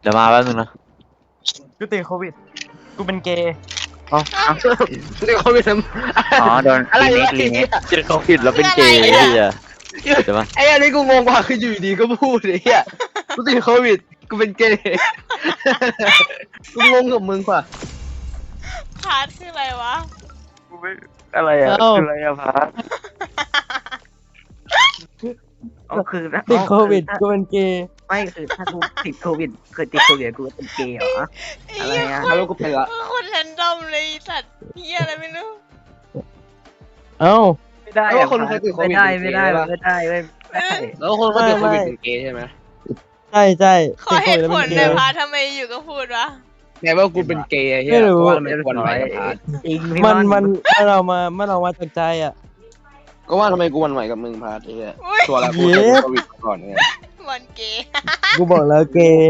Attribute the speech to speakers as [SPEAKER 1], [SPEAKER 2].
[SPEAKER 1] เดี๋ยวมาแป๊บนึงนะ
[SPEAKER 2] กูติดโควิดกูเป็นเกย์
[SPEAKER 3] เรียกเขาไปท
[SPEAKER 1] อ๋อโดน
[SPEAKER 3] อะไร
[SPEAKER 1] รี
[SPEAKER 3] วะ
[SPEAKER 1] เมคเจอเขาผิดแล้วเป็นเกย์ไอ้เหี้ยเดี๋ยวมา
[SPEAKER 3] ไอ้อันนี้กูงงกว่าคืออยู่ดีก็พูดไอ้เหี้ยกูติดโควิดกูเป็นเกย์กูงงกับมึงกว่า
[SPEAKER 4] พาร์ทคืออะไรวะ
[SPEAKER 1] กูไม่อะไรอะ
[SPEAKER 2] เอ้า
[SPEAKER 1] คืออะไรอะพาร์ท
[SPEAKER 5] ก็คือถ้า
[SPEAKER 2] ติดโควิดกูเป็นเกย์
[SPEAKER 5] ไม่คือถ้ากูติดโควิดเกิดติดโควิดกูเป็นเกย์เหรอ อะไรอะ
[SPEAKER 3] ฮัลโหลกูเป็นละ
[SPEAKER 4] คนแรนดอมเลยไอ้สัตว์เฮียอะไรไม่รู้
[SPEAKER 2] เอ้า
[SPEAKER 5] ไม่ได้
[SPEAKER 3] แล้ว
[SPEAKER 5] อะ
[SPEAKER 3] คนเคยติดโควิด
[SPEAKER 5] ไม่ได้ไม่ได้ไม่ได้
[SPEAKER 3] แล้วคนเขาติดโควิดเป็นเกย์ใช่ไหม
[SPEAKER 2] ใช่ใช่
[SPEAKER 4] ขอ
[SPEAKER 2] ติด
[SPEAKER 4] เห
[SPEAKER 2] โควิด
[SPEAKER 4] ตุ
[SPEAKER 2] แล้ว
[SPEAKER 4] ผ
[SPEAKER 2] เป็นเกย์
[SPEAKER 4] ลหน่อยพาร์ททำไมอยู่ก็พูดวะ
[SPEAKER 3] แม้ว่ากูเป็นเกย์ไอ้เหี้ย
[SPEAKER 2] ไม่รู้
[SPEAKER 3] เพราะว่าทำไมกูวันไหวกับพาร์ท
[SPEAKER 5] จริง
[SPEAKER 2] มันเรามาจากใจอ่ะ
[SPEAKER 3] ก็ว่าทำไมกูวันไหวกับมึงพาร์ทไอ้เหี้ย
[SPEAKER 4] อุ้ย
[SPEAKER 3] ตัวละกู
[SPEAKER 2] เย้
[SPEAKER 3] ติดโควิดก่อนเนี่ย
[SPEAKER 4] บอลเกย์
[SPEAKER 2] กูบอกแล้วเกย์